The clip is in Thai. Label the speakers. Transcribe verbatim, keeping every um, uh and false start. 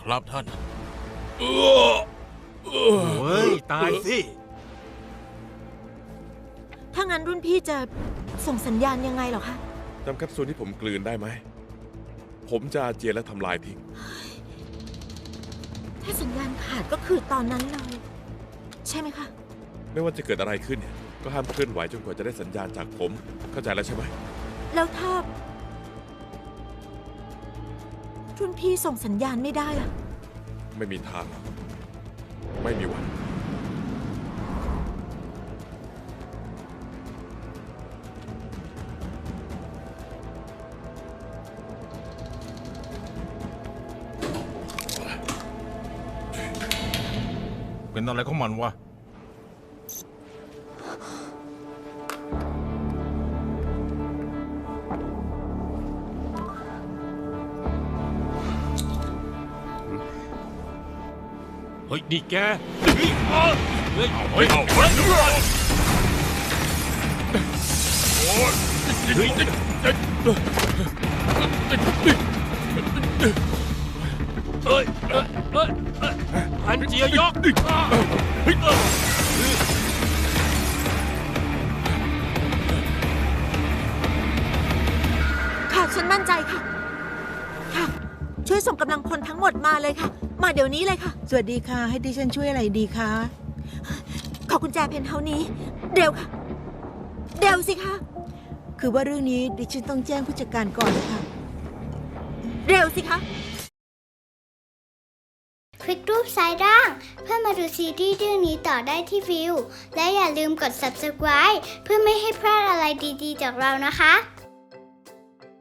Speaker 1: ครับท่าน
Speaker 2: เฮ้ยตายสิ
Speaker 3: ถ้างั้นรุ่นพี่จะส่งสัญญาณยังไงเหรอคะ
Speaker 4: จำแคปซูลที่ผมกลืนได้ไหมผมจะอาเจียนและทำลายทิ้ง
Speaker 3: ถ้าสัญญาณขาดก็คือตอนนั้นเลยใช่ไหมคะ
Speaker 4: ไม่ว่าจะเกิดอะไรขึ้นเนี่ยก็ห้ามเคลื่อนไหวจนกว่าจะได้สัญญาณจากผมเข้าใจแล้วใช่ไหม
Speaker 3: แล้วถ้ารุ่นพี่ส่งสัญญาณไม่ได้ล่ะ
Speaker 4: ไม่มีทางไม่มีวัน
Speaker 1: เป็นอะไรของมันวะเฮ้ยนี่แกเฮ้ยเอาเฮ้ยเอาเฮ้ยโอ้ยเฮ้ยเฮ้ยเฮ้ยอันเจียยก
Speaker 3: ค่ะฉันมั่นใจค่ะค่ะช่วยส่งกำลังพลทั้งหมดมาเลยค่ะมาเดี๋ยวนี้เลยค่ะ
Speaker 5: สวัสดีค่ะให้ดิฉันช่วยอะไรดีคะ
Speaker 3: ขอกุญแจเพนท์เฮาส์นี้เร็วค่ะเร็วสิคะ
Speaker 5: คือว่าเรื่องนี้ดิฉันต้องแจ้งผู้จัดการก่อนนะคะ
Speaker 3: เร็วสิคะ
Speaker 6: คลิกรูปซ้ายล่างเพื่อมาดูซีรีส์เรื่องนี้ต่อได้ที่วิวและอย่าลืมกด ซับสไครบ์ เพื่อไม่ให้พลาดอะไรดีๆจากเรานะคะ